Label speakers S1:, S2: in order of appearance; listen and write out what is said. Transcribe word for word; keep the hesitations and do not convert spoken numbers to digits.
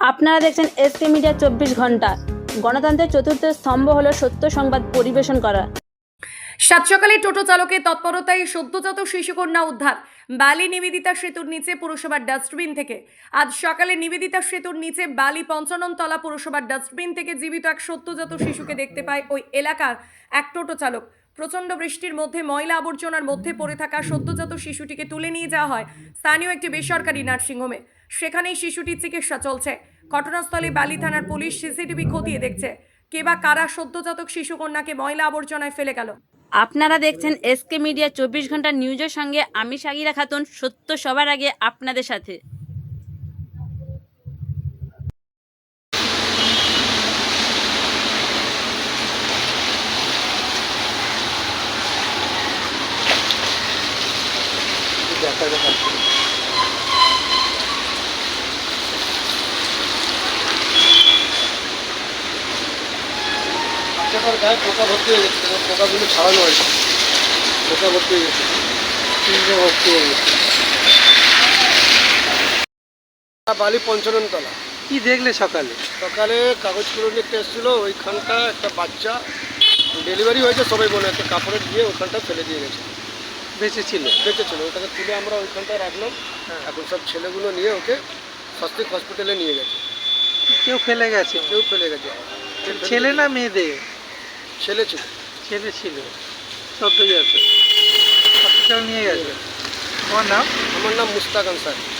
S1: আপনারা দেখছেন SK media চব্বিশ ঘন্টা। গণতন্ত্রের চতুর্থ স্তম্ভ হলো সত্য সংবাদ পরিবেশন করা।
S2: সাত সকালে টোটো চালকের তৎপরতায় সদ্যজাত শিশুকন্যা উদ্ধার বালি নিবেদিতা সেতুর নিচে পুরসভার ডাস্টবিন থেকে। আজ সকালে নিবেদিতা সেতুর নিচে বালি পঞ্চাননতলা পুরসভার ডাস্টবিন থেকে জীবিত এক সদ্যজাত শিশুকে দেখতে পায় ওই এলাকার এক টোটো চালক। প্রচণ্ড বৃষ্টির মধ্যে ময়লা আবর্জনার মধ্যে পড়ে থাকা সদ্যজাত শিশুটিকে তুলে নিয়ে যাওয়া হয় স্থানীয় একটি বেসরকারি নার্সিংহোমে। সেখানেই শিশুটির চিকিৎসা চলছে। ঘটনাস্থলে বালি থানার পুলিশ সিসিটিভি খতিয়ে দেখছে কে বা কারা সদ্যজাতক শিশুকন্যাকে ময়লা আবর্জনায় ফেলে গেল।
S1: আপনারা দেখছেন এসকে মিডিয়া চব্বিশ ঘন্টা নিউজের সঙ্গে আমি সাগিরা খাতুন, সত্য সবার আগে আপনাদের সাথে।
S3: বাচ্চাটার গায়ে পোকা ভর্তি হয়ে গেছে, পোকাগুলো ছাড়ানো হয়েছে, পোকা ভর্তি হয়ে গেছে, তিনটে ভর্তি হয়ে গেছে। বালি পঞ্চাননতলা।
S4: কি দেখলে সকালে?
S3: সকালে কাগজগুলো নিতে এসেছিলো, ওইখানটা একটা বাচ্চা ডেলিভারি হয়েছে সবাই বলে, একটা কাপড়ে দিয়ে ওইখানটা ফেলে দিয়ে গেছে।
S4: বেঁচে ছিল?
S3: বেঁচে ছিল, ওটাকে তুলে আমরা ওইখানটায় রাখলাম। এখন সব ছেলেগুলো নিয়ে ওকে স্বাস্থ্য হসপিটালে নিয়ে গেছে।
S4: কেউ ফেলে গেছে?
S3: কেউ ফেলে গেছে।
S4: ছেলে না মেয়েদের?
S3: ছেলে ছিল।
S4: ছেলে ছিল, সদ্যজাত। হসপিটাল নিয়ে গেছে। তোমার নাম?
S3: আমার নাম মুস্তাক আনসার।